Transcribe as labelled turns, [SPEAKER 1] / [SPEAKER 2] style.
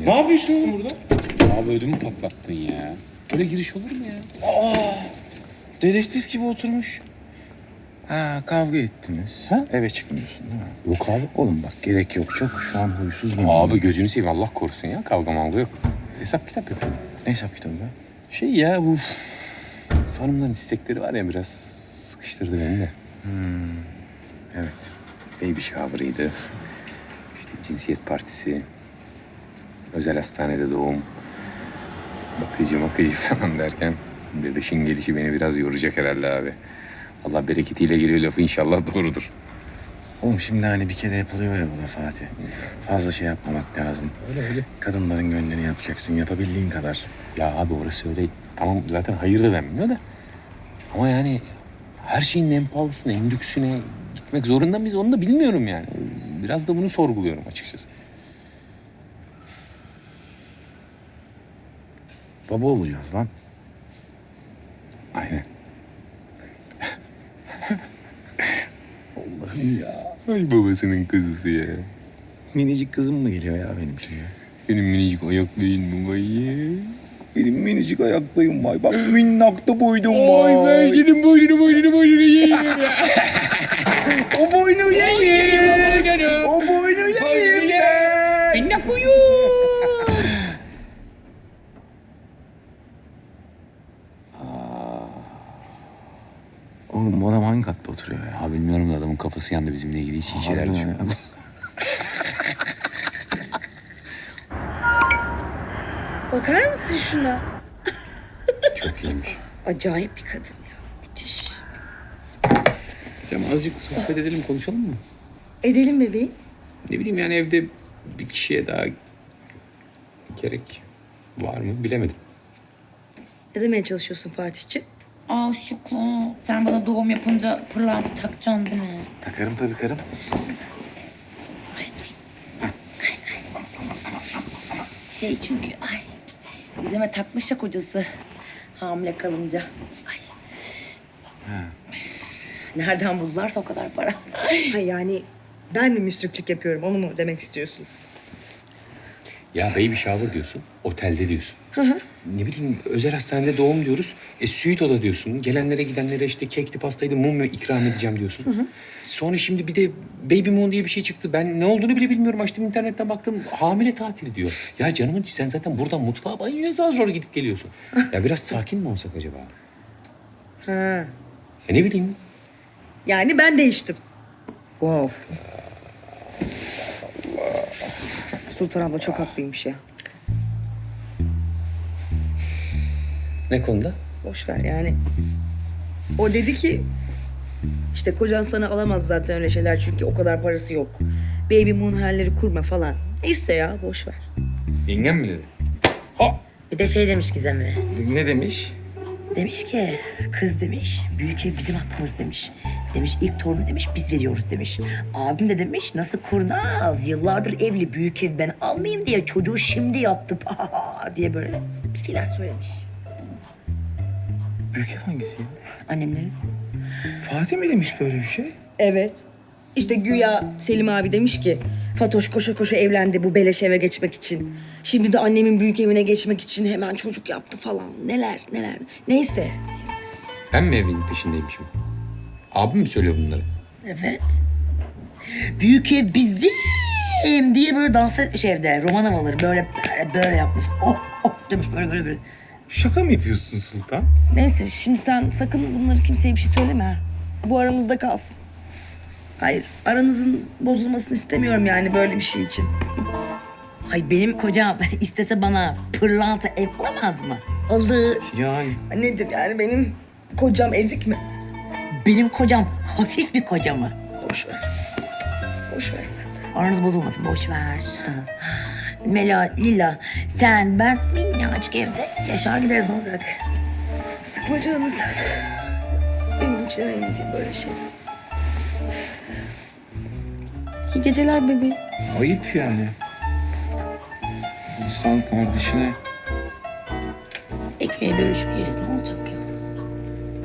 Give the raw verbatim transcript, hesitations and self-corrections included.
[SPEAKER 1] Ne yapıyorsun oğlum burada?
[SPEAKER 2] Abi ödümü patlattın ya. Böyle giriş olur mu ya?
[SPEAKER 1] Aa, dedektif gibi oturmuş. Ha, kavga ettiniz.
[SPEAKER 2] Ha?
[SPEAKER 1] Eve çıkmıyorsun değil mi?
[SPEAKER 2] Yok abi.
[SPEAKER 1] Oğlum bak gerek yok çok. Şu an huysuz mu?
[SPEAKER 2] Abi gözünü seveyim Allah korusun ya. Kavga mavga yok. Hesap kitap yapıyorum.
[SPEAKER 1] Ne hesap kitabı be?
[SPEAKER 2] Şey ya bu hanımların istekleri var ya biraz sıkıştırdı beni de.
[SPEAKER 1] Evet.
[SPEAKER 2] Baby shower'ıydı. İşte cinsiyet partisi. Özel hastanede doğum. Bakıcı makıcı falan derken bebeşin gelişi beni biraz yoracak herhalde abi. Allah bereketiyle geliyor lafı inşallah doğrudur.
[SPEAKER 1] Oğlum şimdi hani bir kere yapılıyor ya bu da Fatih. Fazla şey yapmamak lazım.
[SPEAKER 2] Öyle öyle.
[SPEAKER 1] Kadınların gönlünü yapacaksın yapabildiğin kadar.
[SPEAKER 2] Ya abi orası öyle. Tamam zaten hayır da denmiyor da. Ama yani her şeyin en pahalısına, en lüksüne gitmek zorunda mıyız onu da bilmiyorum yani. Biraz da bunu sorguluyorum açıkçası.
[SPEAKER 1] Baba olacağız lan.
[SPEAKER 2] Aynen.
[SPEAKER 1] Allah'ım ya.
[SPEAKER 2] Ay babasının kızısı ya.
[SPEAKER 1] Minicik kızım mı geliyor ya benim şimdi?
[SPEAKER 2] Benim minicik ayaklayın mı vay?
[SPEAKER 1] Benim minicik ayaklıyım vay. Bak minnak da boydum vay.
[SPEAKER 2] Ay ben senin boynunu boynunu boynunu yiyeyim ya.
[SPEAKER 1] O boynu yiyeyim. O boynu yiyeyim.
[SPEAKER 2] Minnak boyu.
[SPEAKER 1] Oğlum bu adam hangi katta oturuyor ya?
[SPEAKER 2] Ya bilmiyorum da adamın kafası yandı bizimle ilgili hiç iyi şeyler
[SPEAKER 1] Harbiden
[SPEAKER 2] düşünüyor.
[SPEAKER 1] ya.
[SPEAKER 3] Bakar mısın şuna?
[SPEAKER 2] Çok iyiymiş.
[SPEAKER 3] Acayip bir kadın ya. Müthiş.
[SPEAKER 2] Cem azıcık sohbet edelim konuşalım mı?
[SPEAKER 3] Edelim bebeğim.
[SPEAKER 2] Ne bileyim yani evde bir kişiye daha gerek var mı bilemedim.
[SPEAKER 3] Ne demeye çalışıyorsun Fatih'ciğim?
[SPEAKER 4] Aa Şükrü, sen bana doğum yapınca pırlanta takacaksın değil mi?
[SPEAKER 1] Takarım tabii karım.
[SPEAKER 4] Ay dur. Şey çünkü ay Gizem'e takmış ya kocası hamile kalınca. Ay. Nereden buldularsa o kadar para.
[SPEAKER 3] Ha yani ben mi müsriflik yapıyorum onu mu demek istiyorsun?
[SPEAKER 2] Ya baby shower diyorsun, otelde diyorsun. Ne bileyim özel hastanede doğum diyoruz. E suite oda diyorsun. Gelenlere gidenlere işte kekti pastaydı mum ikram edeceğim diyorsun. Sonra şimdi bir de baby moon diye bir şey çıktı. Ben ne olduğunu bile bilmiyorum. Açtım internetten baktım hamile tatili diyor. Ya canımın içi, sen zaten buradan mutfağa banyoya zar zor gidip geliyorsun. Ya biraz sakin mi olsak acaba?
[SPEAKER 3] Ha.
[SPEAKER 2] E ne bileyim.
[SPEAKER 3] Yani ben değiştim. Wow. Sultan abla çok haklıymış ya.
[SPEAKER 2] Ne konuda?
[SPEAKER 3] Boş ver yani. O dedi ki işte kocan sana alamaz zaten öyle şeyler çünkü o kadar parası yok. Baby moon hayalleri kurma falan. Neyse ya boş ver.
[SPEAKER 1] Yengem mi dedi?
[SPEAKER 4] Bir de şey demiş Gizem'e.
[SPEAKER 1] Ne demiş?
[SPEAKER 4] Demiş ki kız demiş büyük ev bizim hakkımız demiş. Demiş ilk torunu demiş biz veriyoruz demiş. Abim de demiş nasıl kurnaz yıllardır evli büyük ev ben almayayım diye çocuğu şimdi yaptı diye böyle bir şeyler söylemiş.
[SPEAKER 1] Büyük ev hangisi ya?
[SPEAKER 4] Annemlerin.
[SPEAKER 1] Fatih mi demiş böyle bir şey?
[SPEAKER 3] Evet. İşte güya Selim abi demiş ki Fatoş koşa koşa evlendi bu beleş eve geçmek için. Şimdi de annemin büyük evine geçmek için hemen çocuk yaptı falan. Neler neler. Neyse.
[SPEAKER 2] Ben mi evin peşindeymişim? Abim mi söylüyor bunları?
[SPEAKER 4] Evet. Büyük ev bizim diye böyle dans etmiş evde. Roman havaları böyle böyle, böyle yapmış. Oh oh demiş böyle böyle böyle.
[SPEAKER 1] Şaka mı yapıyorsun Sultan?
[SPEAKER 3] Neyse şimdi sen sakın bunları kimseye bir şey söyleme ha. Bu aramızda kalsın. Hayır aranızın bozulmasını istemiyorum yani böyle bir şey için.
[SPEAKER 4] Ay benim kocam istese bana pırlanta ev alamaz mı? Alır.
[SPEAKER 1] Yani.
[SPEAKER 3] Nedir yani benim kocam ezik mi?
[SPEAKER 4] Benim kocam hafif bir koca mı?
[SPEAKER 3] Boş ver. Boş ver sen.
[SPEAKER 4] Aranız bozulmasın boş ver. Mela, Lila, sen, ben minnacık evde yaşar gideriz ne olacak?
[SPEAKER 3] Sıkma canımı sen. Benim için önemli değil böyle şey. İyi geceler bebeğim.
[SPEAKER 1] Ayıp yani. İnsan kardeşine.
[SPEAKER 4] Ekmeği bölüşüp yeriz ne olacak ya?